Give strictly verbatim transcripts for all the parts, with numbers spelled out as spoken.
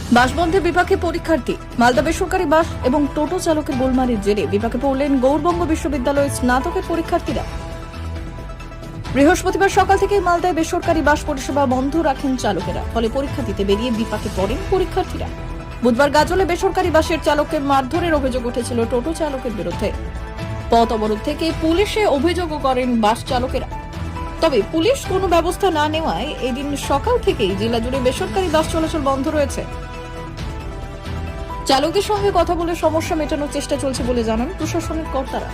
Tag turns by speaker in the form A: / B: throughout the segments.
A: বাস বন্ধে বিপাকে পরীক্ষার্থী। মালদা বেসরকারি বাস এবং টোটো চালকের গোলমালের জেরে বিপাকে পড়লেন গৌরবঙ্গ বিশ্ববিদ্যালয়ের স্নাতকের পরীক্ষার্থীরা। বৃহস্পতিবার সকাল থেকেই মালদায় বেসরকারি বাস পরিষেবা বন্ধ রাখেন চালকেরা, ফলে পরীক্ষা দিতে বেরিয়ে বিপাকে পড়েন পরীক্ষার্থীরা। বুধবার গাজলে বেসরকারি বাসের চালককে মারধরের অভিযোগ উঠেছিল টোটো চালকের বিরুদ্ধে। পথ অবরোধ থেকে পুলিশে অভিযোগও করেন বাস চালকেরা। তবে পুলিশ কোনো ব্যবস্থা না নেওয়ায় এদিন সকাল থেকেই জেলা জুড়ে বেসরকারি বাস চলাচল বন্ধ রয়েছে। চালকদের সঙ্গে কথা বলে সমস্যা মেটানোর চেষ্টা চলছে বলে জানান প্রশাসনের কর্তারা।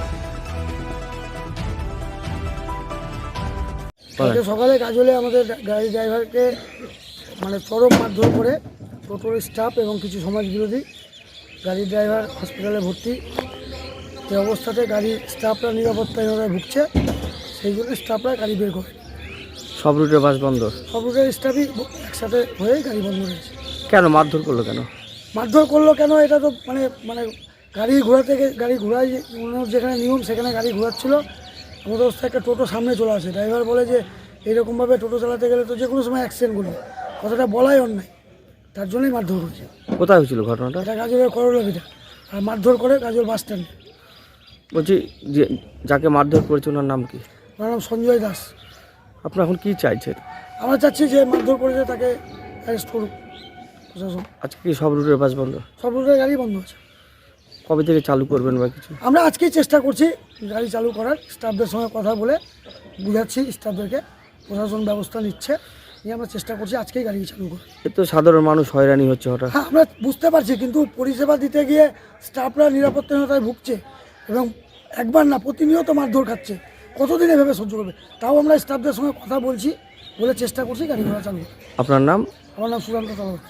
B: সকালে গাজলে আমাদের গাড়ি ড্রাইভারকে মানে চরম মারধর করে টোটোর স্টাফ এবং কিছু সমাজ বিরোধী। গাড়ির ড্রাইভার হসপিটালে ভর্তি। এই অবস্থাতে গাড়ির স্টাফরা নিরাপত্তাহীনতায় ভুগছে, সেই জন্য স্টাফরা গাড়ি বের করে।
C: সব রুটের বাস বন্ধ? সব
B: রুটের স্টাফই একসাথে হয়ে গাড়ি বন্ধ রয়েছে।
C: কেন মারধর করলো কেন?
B: মারধর করলো কেন এটা তো মানে মানে গাড়ি ঘোরা থেকে গাড়ি ঘোরায় যেখানে নিয়ম সেখানে গাড়ি ঘোরাচ্ছিল। আমাদের অবস্থায় একটা টোটো সামনে চলে আসে, ড্রাইভার বলে যে এইরকমভাবে টোটো চালাতে গেলে তো যে কোনো সময় অ্যাক্সিডেন্টগুলো, কথাটা বলাই অন্যায়, তার জন্যই মারধর হয়েছে।
C: কোথায় হয়েছিল ঘটনাটা?
B: এটা গাজলের করলাভিটা, আর মারধর করে গাজল বাস স্ট্যান্ডে।
C: বলছি যে যাকে মারধর করেছে ওনার নাম কি?
B: ওনার নাম সঞ্জয় দাস।
C: আপনারা এখন কি চাইছেন?
B: আমরা চাচ্ছি যে মারধর করেছে তাকে অ্যারেস্ট করুক প্রশাসন।
C: আজকে কি সব রুটের বাস বন্ধ?
B: সব রুটের গাড়ি বন্ধ আছে।
C: কবে থেকে চালু করবেন বা কিছু?
B: আমরা আজকেই চেষ্টা করছি গাড়ি চালু করার, স্টাফদের সঙ্গে কথা বলে বুঝাচ্ছি স্টাফদেরকে, প্রশাসন ব্যবস্থা নিচ্ছে, নিয়ে আমরা চেষ্টা করছি আজকেই গাড়ি চালু করার।
C: এ তো সাধারণ মানুষ হয়রানি হচ্ছে হঠাৎ।
B: হ্যাঁ, আমরা বুঝতে পারছি, কিন্তু পরিষেবা দিতে গিয়ে স্টাফরা নিরাপত্তাহীনতায় ভুগছে এবং একবার না প্রতিনিয়ত মারধর খাচ্ছে। কতদিন এভাবে সহ্য করবে? তাও আমরা স্টাফদের সঙ্গে কথা বলছি, বলে চেষ্টা করছি গাড়ি ঘোড়া চালু করার।
C: আপনার নাম?
B: আমার নাম সুরান্ত তলাবত।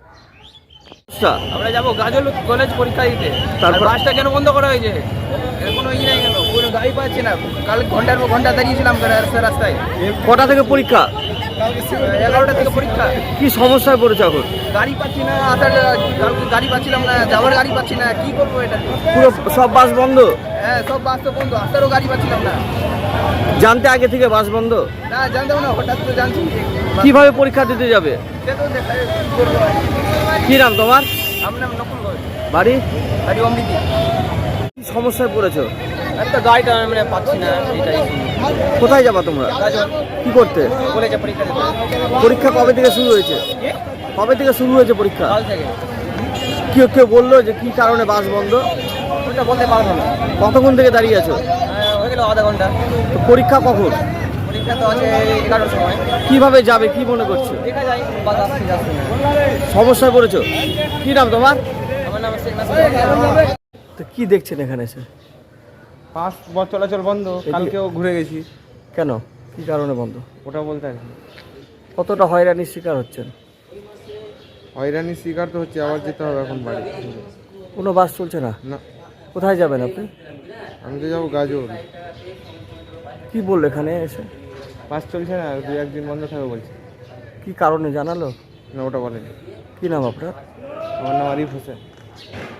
D: আমরা যাবো গাজল কলেজ পরীক্ষা দিতে, তারপর বাসটা কেন বন্ধ করা হয়েছে? এর কোনো ই নাই কেন, কোনো গাড়ি পাচ্ছি না। কাল ঘন্টার পর ঘন্টা দাঁড়িয়েছিলাম রাস্তায় রাস্তায়।
C: কটা থেকে পরীক্ষা?
D: এগারোটা থেকে পরীক্ষা।
C: কি সমস্যায় পড়েছে এখন?
D: গাড়ি পাচ্ছি না, আসার গাড়ি পাচ্ছিলাম না, যাওয়ার গাড়ি পাচ্ছি না, কি করবো এটা?
C: পুরো সব বাস বন্ধ?
D: হ্যাঁ, সব বাস তো বন্ধ, আসারও গাড়ি পাচ্ছিলাম না।
C: জানতে আগে থেকে বাস বন্ধ?
D: না, জানতাম না, হঠাৎ তো জানছি।
C: কিভাবে পরীক্ষা দিতে যাবে?
D: সে তো দেখা কি করবো।
C: কি নাম তোমার?
D: আমার নাম নকুল ঘোষ।
C: বাড়ি?
D: বাড়ি অমৃতি।
C: কি সমস্যায় পড়েছো?
D: একটা গাড়িটা আমরা পাচ্ছি না, এটাই।
C: কোথায় যাবা তোমরা?
D: গাজল।
C: কি করতে?
D: কলেজে পরীক্ষা দিতে।
C: পরীক্ষা কবে থেকে শুরু হয়েছে? কবে থেকে শুরু হয়েছে পরীক্ষা?
D: কাল থেকে।
C: কেউ কেউ বললো যে কি কারণে বাস বন্ধ?
D: ওটা বলতে পারবো না।
C: কতক্ষণ থেকে দাঁড়িয়ে আছো?
D: হয়ে গেল আধা ঘন্টা।
C: তো পরীক্ষা কখন?
D: পরীক্ষা তো আছে এগারোটার সময়।
C: কিভাবে যাবে কি মনে করছো?
D: দেখা যায়, বাস আসতে যাচ্ছে না।
C: সমস্যায় পড়েছো? কি নাম তোমার?
D: আমার নাম শেখ নাসির।
C: তো কি দেখছেন এখানে এসে?
E: বাস চলাচল বন্ধ, কালকেও ঘুরে গেছি।
C: কেন, কি কারণে বন্ধ
E: ওটা বলতে পারি না।
C: কতটা হয়রানির শিকার হচ্ছেন?
E: হয়রানির শিকার তো হচ্ছে, আবার যেতে হবে এখন বাড়ি।
C: কোনো বাস চলছে না?
E: না,
C: কোথায় যাবেন আপনি?
E: আমি তো যাবো গাজল।
C: কি বললো এখানে এসে?
E: বাস চলছে না, দু একদিন বন্ধ থাকবে বলছে।
C: কি কারণে জানালো?
E: না, ওটা বলেনি।
C: কি নাম আপনার?
E: আমার নাম আরিফ হোসেন।